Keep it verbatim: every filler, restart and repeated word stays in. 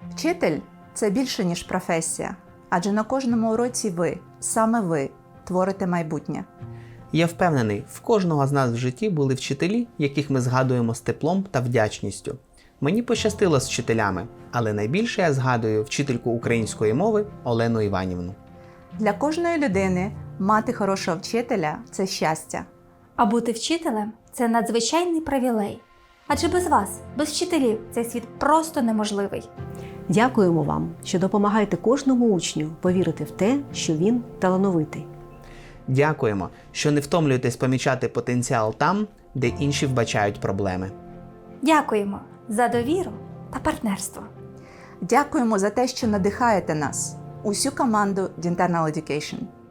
Вчитель – це більше, ніж професія, адже на кожному уроці ви, саме ви, творите майбутнє. Я впевнений, в кожного з нас в житті були вчителі, яких ми згадуємо з теплом та вдячністю. Мені пощастило з вчителями, але найбільше я згадую вчительку української мови Олену Іванівну. Для кожної людини мати хорошого вчителя – це щастя. А бути вчителем – це надзвичайний привілей. Адже без вас, без вчителів, цей світ просто неможливий. Дякуємо вам, що допомагаєте кожному учню повірити в те, що він талановитий. Дякуємо, що не втомлюєтесь помічати потенціал там, де інші вбачають проблеми. Дякуємо за довіру та партнерство. Дякуємо за те, що надихаєте нас, усю команду Dental Education.